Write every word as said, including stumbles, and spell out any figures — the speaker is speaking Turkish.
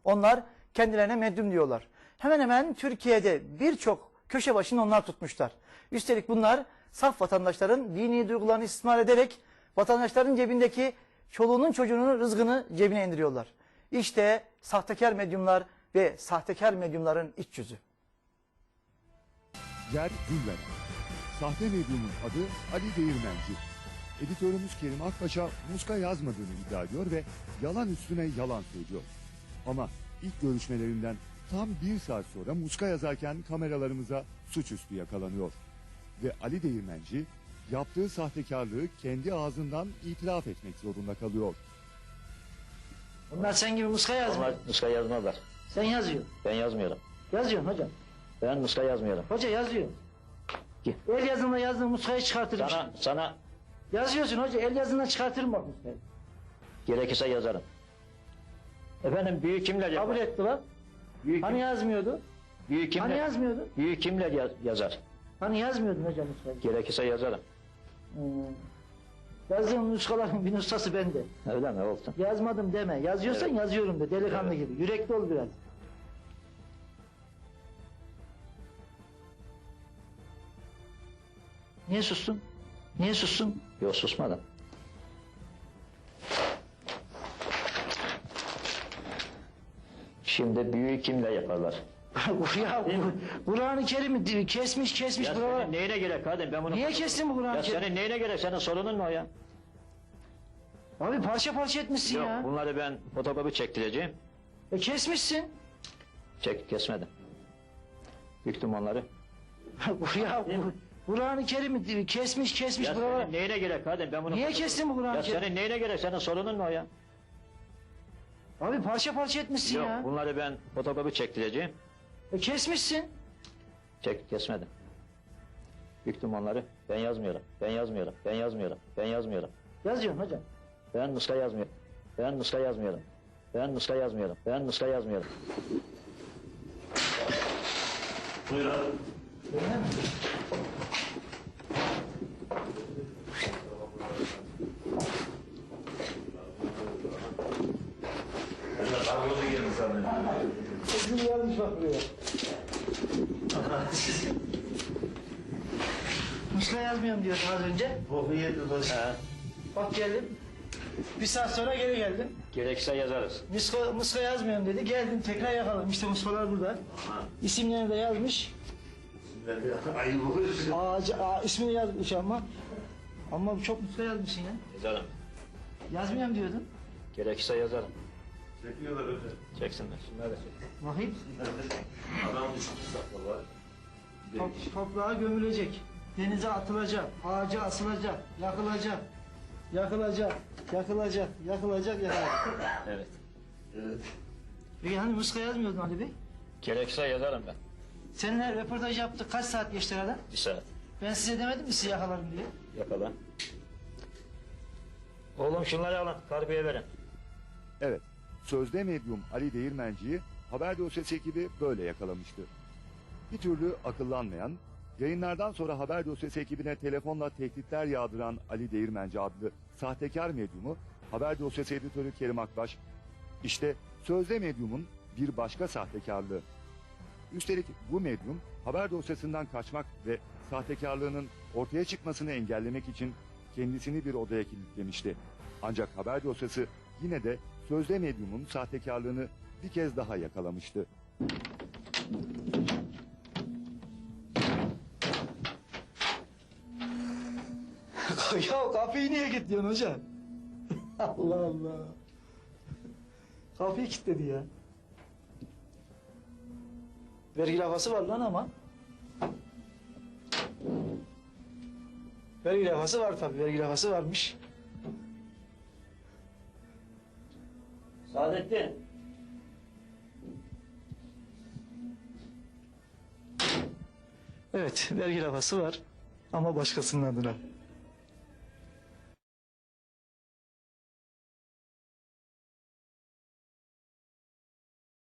Onlar kendilerine medyum diyorlar. Hemen hemen Türkiye'de birçok köşe başını onlar tutmuşlar. Üstelik bunlar saf vatandaşların dini duygularını istismar ederek vatandaşların cebindeki çoluğunun çocuğunun rızkını cebine indiriyorlar. İşte sahtekar medyumlar ve sahtekar medyumların iç yüzü. Yer Gülveren. Sahte medyumun adı Ali Değirmenci. Editörümüz Kerim Akbaş'a muska yazmadığını iddia ediyor ve yalan üstüne yalan söylüyor. Ama ilk görüşmelerinden tam bir saat sonra muska yazarken kameralarımıza suçüstü yakalanıyor. Ve Ali Değirmenci yaptığı sahtekarlığı kendi ağzından itiraf etmek zorunda kalıyor. Bunlar sen gibi muska yazmıyor. Onlar muska yazmazlar. Sen yazıyorsun. Ben yazmıyorum. Yazıyorsun hocam. Ben muska yazmıyorum. Hoca yazıyor. Ki- El yazımla yazdığın muskayı çıkartırım. Sana, sana Yazıyorsun hoca, el yazından çıkartırım bak muskayı. gerekirse yazarım. Efendim büyük kimler yapar? Kabul etti lan. Büyük, Hani yazmıyordu? büyük kimler, Hani yazmıyordu? büyük kimler yaz- yazar? Hani yazmıyordun hocam muskayı? Gerekirse yazarım. Hmm. Yazdığın muskaların bir nuskası bende. Öyle mi? Olsun. Yazmadım deme. Yazıyorsan Evet. yazıyorum de delikanlı Evet. gibi. Yürekli ol biraz. Niye sustun? Niye sustun? Yok susmadım. Şimdi büyük kimler yaparlar? ya bu- Kur'an-ı Kerim'i kesmiş kesmiş Ya buralara. senin neyine gerek kadın? Ben bunu... Niye kestin bu Kur'an-ı Ya Kerim'i? senin neyine gerek? Senin sorunun mu o ya? Abi parça parça etmişsin Yok ya. bunları ben fotokopi çektireceğim. E kesmişsin. Çek kesmedim. Büktüm onları. ya bu- Kur'an-ı Kerim'i kesmiş kesmiş Ya buralara. senin neyine gerek kadın? Ben bunu... Niye kestin bu Kur'an-ı Ya Kerim'i? senin neyine gerek? Senin sorunun mu o ya? Abi parça parça etmişsin Yok ya. bunları ben fotokopi çektireceğim. E kesmişsin. Çek kesmedim. Büktüm onları. Ben yazmıyorum. Ben yazmıyorum. Ben yazmıyorum. Ben yazmıyorum. Yazıyorsun hocam. Ben muska yazmıyorum. Ben muska yazmıyorum. Ben muska yazmıyorum. Ben muska yazmıyorum. Sesini yazmış bak buraya. Muska yazmıyorum diyordun az önce. He. Bak geldim. Bir saat sonra geri geldim. Gerekirse yazarız. Muska, muska yazmıyorum dedi. Geldim tekrar yakaladım. İşte muskalar burada. İsimlerini de yazmış. Ağacı, ağa, ismini yazmış ama. Ama çok muska yazmışsın ya. Yazarım. Yazmıyorum diyordun. Gerekirse yazarım. Çekiyorlar öyle. Çeksinler. Şunları da çek. Bakayım. Adam düştü saklalar. Top, toprağa gömülecek. Denize atılacak. Ağaca asılacak. Yakılacak. Yakılacak. Yakılacak. Yakılacak. Yakılacak. Evet. Evet. Peki hani muska yazmıyordun Ali Bey? Gerekirse yazarım ben. Seninle röportaj yaptık. Kaç saat geçti arada? Bir saat. Ben size demedim mi sizi yakalarım diye? Yakala. Oğlum şunları alın. Karbiye verin. Evet, sözde medyum Ali Değirmenci'yi haber dosyası ekibi böyle yakalamıştı. Bir türlü akıllanmayan, yayınlardan sonra haber dosyası ekibine telefonla tehditler yağdıran Ali Değirmenci adlı sahtekar medyumu haber dosyası editörü Kerim Akbaş, işte sözde medyumun bir başka sahtekarlığı. Üstelik bu medyum haber dosyasından kaçmak ve sahtekarlığının ortaya çıkmasını engellemek için kendisini bir odaya kilitlemişti. Ancak haber dosyası yine de sözde medyumun sahtekarlığını bir kez daha yakalamıştı. Ya kapıyı niye kilitliyorsun hocam? Allah Allah. Kapıyı kilitledi ya. Vergi lafası var lan ama. Vergi lafası var tabii. Vergi lafası varmış. Saadettin. Evet, vergi lafası var. Ama başkasının adına.